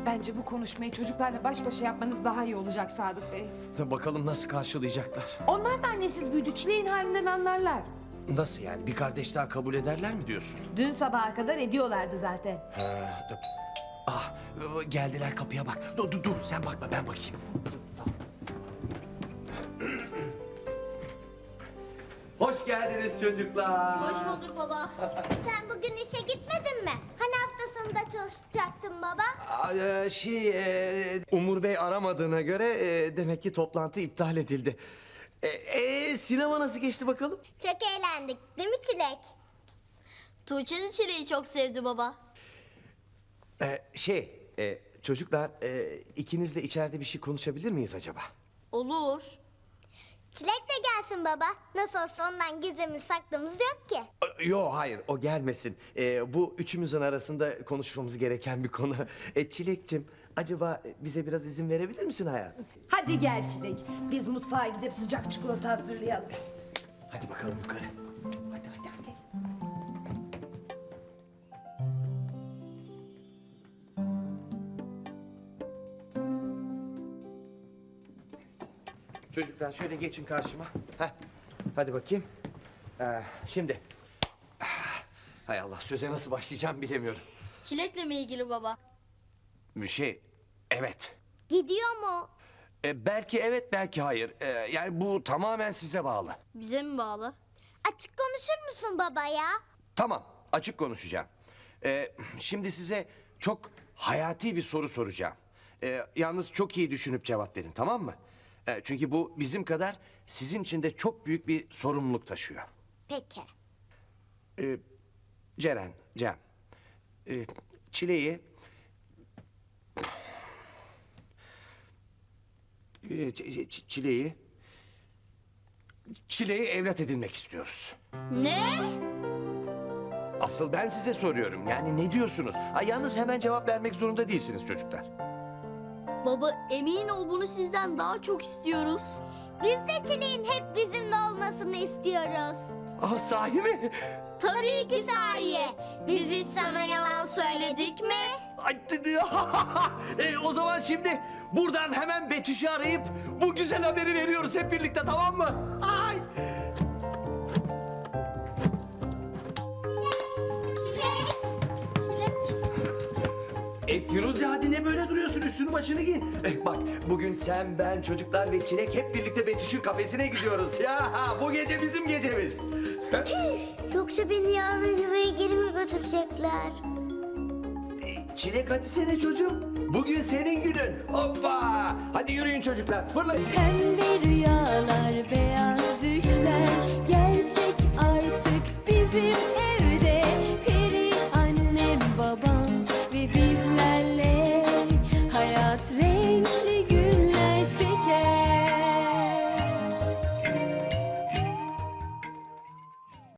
Bence bu konuşmayı çocuklarla baş başa yapmanız daha iyi olacak Sadık Bey. Bakalım nasıl karşılayacaklar. Onlar da annesiz büyüdü, Çileğin halinden anlarlar. Nasıl yani? Bir kardeş daha kabul ederler mi diyorsun? Dün sabaha kadar ediyorlardı zaten. Geldiler kapıya bak. Dur sen bakma ben bakayım. Hoş geldiniz çocuklar. Hoş bulduk baba. Sen bugün işe gitmedin mi? Hani hafta sonunda çalışacaktın baba? Umur Bey aramadığına göre demek ki toplantı iptal edildi. Sinema nasıl geçti bakalım? Çok eğlendik değil mi Çilek? Tuğçe de çileği çok sevdi baba. Çocuklar ikiniz de içeride bir şey konuşabilir miyiz acaba? Olur. Çilek de gelsin baba. Nasıl olsa ondan gizlimiz saklımız yok ki. Yo hayır o gelmesin. Bu üçümüzün arasında konuşmamız gereken bir konu. Çilekçim acaba bize biraz izin verebilir misin hayatım? Hadi gel Çilek, biz mutfağa gidip sıcak çikolata hazırlayalım. Hadi bakalım yukarı. Hadi. Çocuklar şöyle geçin karşıma. Heh. Hadi bakayım. Şimdi. Hay Allah söze nasıl başlayacağım bilemiyorum. Çilekle mi ilgili baba? Evet. Gidiyor mu? Belki evet belki hayır. Yani bu tamamen size bağlı. Bize mi bağlı? Açık konuşur musun baba ya? Tamam, açık konuşacağım. Şimdi size çok hayati bir soru soracağım. Yalnız çok iyi düşünüp cevap verin, tamam mı? Çünkü bu bizim kadar sizin için de çok büyük bir sorumluluk taşıyor. Peki. Cem, Çileği... Çileği evlat edinmek istiyoruz. Ne? Asıl ben size soruyorum. Yani ne diyorsunuz? Yalnız hemen cevap vermek zorunda değilsiniz çocuklar. Baba emin ol bunu sizden daha çok istiyoruz. Biz de Çilek'in hep bizimle olmasını istiyoruz. Sahi mi? Tabii ki sahi. Biz hiç sana yalan söyledik mi? O zaman şimdi buradan hemen Betüş'ü arayıp bu güzel haberi veriyoruz hep birlikte, tamam mı? Ay! Firuze hadi ne böyle duruyorsun, üstünü başını giy. Bak bugün sen, ben, çocuklar ve Çilek hep birlikte Betüş'ün kafesine gidiyoruz ya. Bu gece bizim gecemiz. Yoksa beni yarın yuvaya geri mi götürecekler? Çilek hadi sene çocuğum. Bugün senin günün. Hoppa! Hadi yürüyün çocuklar, fırlayın. Pembe rüya